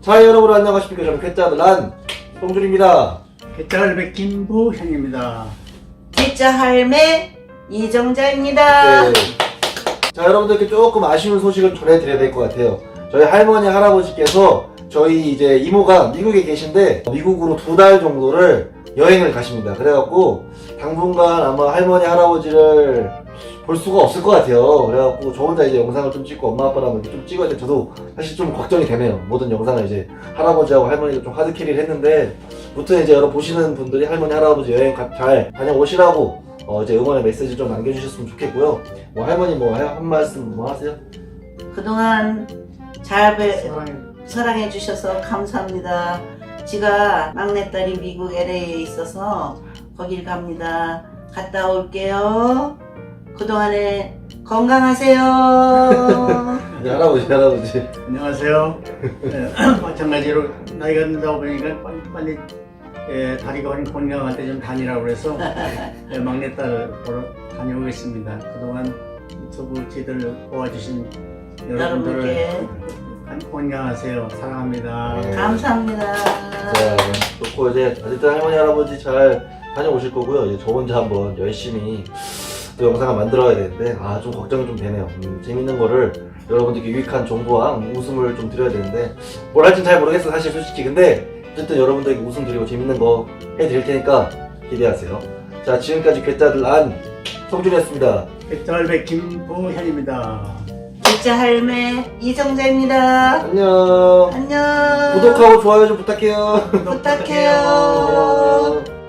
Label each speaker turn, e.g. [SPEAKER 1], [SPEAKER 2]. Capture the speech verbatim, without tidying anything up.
[SPEAKER 1] 자, 여러분 안녕하십니까. 저는 괴짜들란 송준입니다.
[SPEAKER 2] 괴짜갈배 김부현입니다.
[SPEAKER 3] 괴짜 할매 이정자입니다.
[SPEAKER 1] 네. 자, 여러분들께 조금 아쉬운 소식을 전해드려야 될 것 같아요. 저희 할머니 할아버지께서 저희 이제 이모가 미국에 계신데 미국으로 두 달 정도를 여행을 가십니다. 그래갖고 당분간 아마 할머니 할아버지를 볼 수가 없을 것 같아요. 그래갖고 저 혼자 이제 영상을 좀 찍고 엄마 아빠랑 좀 찍어야 돼. 저도 사실 좀 걱정이 되네요. 모든 영상을 이제 할아버지하고 할머니가 좀 하드캐리를 했는데, 무튼 이제 여러분 보시는 분들이 할머니 할아버지 여행 가, 잘 다녀오시라고 어 이제 응원의 메시지 좀 남겨주셨으면 좋겠고요. 뭐 할머니 뭐 한 말씀 뭐 하세요?
[SPEAKER 3] 그동안 잘 배,
[SPEAKER 2] 사랑해.
[SPEAKER 3] 사랑해 주셔서 감사합니다. 제가 막내딸이 미국 엘에이에 있어서 거길 갑니다. 갔다 올게요. 그동안에 건강하세요.
[SPEAKER 1] 네, 할아버지 할아버지.
[SPEAKER 2] 안녕하세요. 네, 마찬가지로 나이가 든다고 보니까 빨리, 빨리 예, 다리가 건강할 때 좀 다니라고 그래서 예, 막내딸 보러 다녀오겠습니다. 그동안 유튜브 지들 도와주신 여러분들을
[SPEAKER 3] 여러분께
[SPEAKER 2] 건강하세요. 사랑합니다.
[SPEAKER 1] 네.
[SPEAKER 3] 감사합니다.
[SPEAKER 1] 자, 좋고 이제 어쨌든 할머니 할아버지 잘 다녀오실 거고요. 이제 저 혼자 한번 열심히 또 영상을 만들어야 되는데 아 좀 걱정이 좀 되네요. 음, 재밌는 거를 여러분들께 유익한 정보와 웃음을 좀 드려야 되는데 뭘 할진 잘 모르겠어 사실 솔직히. 근데 어쨌든 여러분들에게 웃음 드리고 재밌는 거 해드릴 테니까 기대하세요. 자, 지금까지 괴짜들 안 성준이었습니다.
[SPEAKER 2] 괴짜갈배 김부현입니다.
[SPEAKER 3] 괴짜 할매 이정자입니다.
[SPEAKER 1] 안녕.
[SPEAKER 3] 안녕.
[SPEAKER 1] 구독하고 좋아요 좀 부탁해요.
[SPEAKER 3] 부탁해요.
[SPEAKER 1] 안녕.